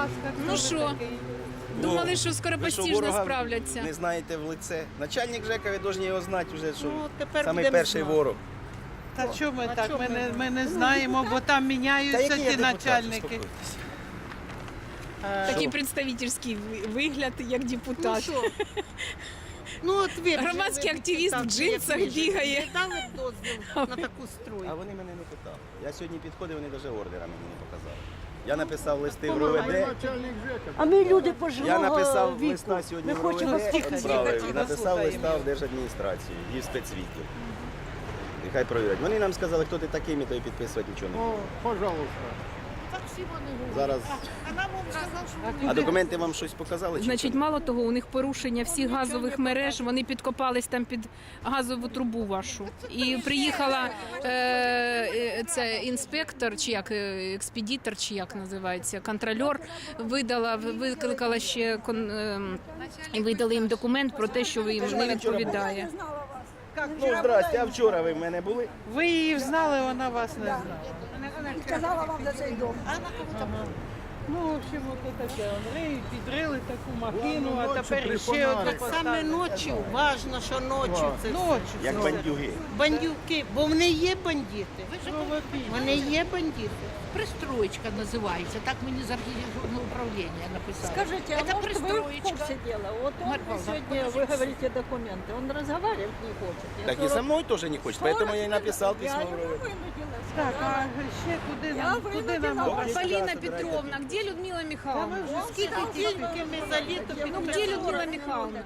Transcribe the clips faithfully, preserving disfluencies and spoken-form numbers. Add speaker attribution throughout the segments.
Speaker 1: ласка.
Speaker 2: Ну що, думали, що скоропостижно
Speaker 3: ворога
Speaker 2: справляться.
Speaker 3: Не знаєте в лице. Начальник ЖЕКа, ви повинні його знати вже, що
Speaker 1: Ну, тепер
Speaker 3: самий
Speaker 1: будемо
Speaker 3: перший
Speaker 1: знати.
Speaker 3: ворог.
Speaker 1: Та чому ми
Speaker 4: А
Speaker 1: так?
Speaker 4: чому
Speaker 1: Ми
Speaker 4: ми-
Speaker 1: не, ми не знаємо, бо там
Speaker 3: Та
Speaker 1: міняються
Speaker 3: який я
Speaker 1: ті
Speaker 3: депутат,
Speaker 1: начальники.
Speaker 3: успокойтесь.
Speaker 1: Е,
Speaker 2: Такий представительський вигляд, як
Speaker 4: Ну
Speaker 2: депутат.
Speaker 4: що? Ну от ви б
Speaker 2: Громадський
Speaker 4: жили,
Speaker 2: активіст в
Speaker 4: так,
Speaker 2: джинсах
Speaker 4: як ви жили.
Speaker 2: бігає.
Speaker 4: Не дали б дозвіл на таку стройку?
Speaker 3: А вони мене не питали. Я сьогодні підходив, вони навіть ордера мені не показали. Я написав листи в
Speaker 4: Помагай,
Speaker 3: РОВД.
Speaker 5: А ми люди пожилого
Speaker 3: Я написав
Speaker 5: віку.
Speaker 3: листа сьогодні
Speaker 5: Ми
Speaker 3: в
Speaker 5: хочемо
Speaker 3: РОВД,
Speaker 5: тихо,
Speaker 3: відправив
Speaker 1: тихо,
Speaker 3: і написав
Speaker 1: слухаємо.
Speaker 3: листа в Держадміністрацію і в спецвідділ. Нехай провірять. Вони нам сказали, хто ти такий, ми тобі підписувати нічого не будемо.
Speaker 4: Пожалуйста. Так всі вони говорять.
Speaker 3: Зараз.
Speaker 4: А нам він сказав, що
Speaker 3: А документи вам щось показали? чи
Speaker 2: Значить,
Speaker 3: що?
Speaker 2: мало того, у них порушення всіх газових мереж, вони підкопались там під газову трубу вашу. І приїхала е, е, це інспектор, чи як е, експедитор, чи як називається, контрольор, видала, викликала ще кон, е, і видали їм документ про те, що ви їм не відповідає.
Speaker 3: Ну, здрасте, а вчора ви в мене були?
Speaker 1: Ви її знали, вона вас не знала.
Speaker 5: Сказала вам за цей дом.
Speaker 1: Ну, в общем, от таке. Вони підрили таку махину, а
Speaker 4: ночі
Speaker 1: тепер
Speaker 4: при
Speaker 1: ще одну
Speaker 4: фонариках.
Speaker 1: поставили.
Speaker 4: Саме ночі, важно, що ночі це все.
Speaker 1: Ночі.
Speaker 3: Як
Speaker 1: все.
Speaker 3: бандюги.
Speaker 4: Бандюки, бо вони є бандити.
Speaker 1: Кровопій.
Speaker 4: Вони є бандити.
Speaker 6: Пристроечка называется, так мне из архитектурного управления написали.
Speaker 5: Скажите, а
Speaker 6: Это
Speaker 5: может вы в
Speaker 6: пристроечка.
Speaker 5: курсе дела? Вот он
Speaker 6: Марья Павловна,
Speaker 5: сегодня, вы говорите документы, он разговаривать не хочет. Я
Speaker 3: Так і
Speaker 5: сорок-
Speaker 3: со мною теж не хочуть, поэтому я і написав
Speaker 5: Я
Speaker 3: письмо в
Speaker 5: его
Speaker 3: РОВД.
Speaker 5: вынудила.
Speaker 1: Так, а
Speaker 5: сказала.
Speaker 1: ще куди
Speaker 5: Я
Speaker 1: нам, куди нам
Speaker 5: винудила
Speaker 1: обращатися?
Speaker 2: Поліна Петровна, де Людмила
Speaker 1: Та ми
Speaker 2: Михайловна?
Speaker 1: вже
Speaker 4: Скільки тільки ми за літо
Speaker 2: Ну, де Людмила Михайловна?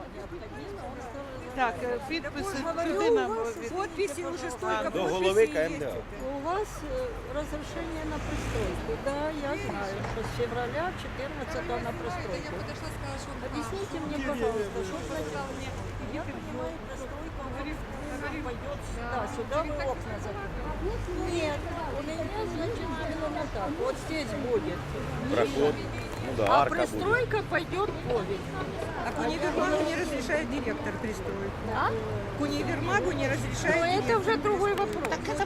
Speaker 1: Так, е, підписи
Speaker 5: Говорю,
Speaker 1: куди
Speaker 5: у
Speaker 1: нам
Speaker 5: вас
Speaker 1: від-
Speaker 5: подписи уже столько
Speaker 3: До
Speaker 5: подписей
Speaker 3: голови
Speaker 5: есть.
Speaker 3: КМДА.
Speaker 5: У вас э, разрешение на пристройку. Да, я знаю, что с февраля четырнадцатого на пристройку. Объясните мне, пожалуйста, что произошло? Я понимаю, пристройка пойдет сюда, сюда вы окна закрыли. Нет, у меня, значит, именно так. Вот здесь будет.
Speaker 3: Проход. Ну да,
Speaker 5: А
Speaker 3: арка буде.
Speaker 5: пристройка пойдет повень.
Speaker 7: А к универмагу не разрешает директор пристроить.
Speaker 5: А?
Speaker 7: К универмагу не разрешает
Speaker 5: Но это
Speaker 7: директор
Speaker 5: уже другой вопрос.
Speaker 6: Так это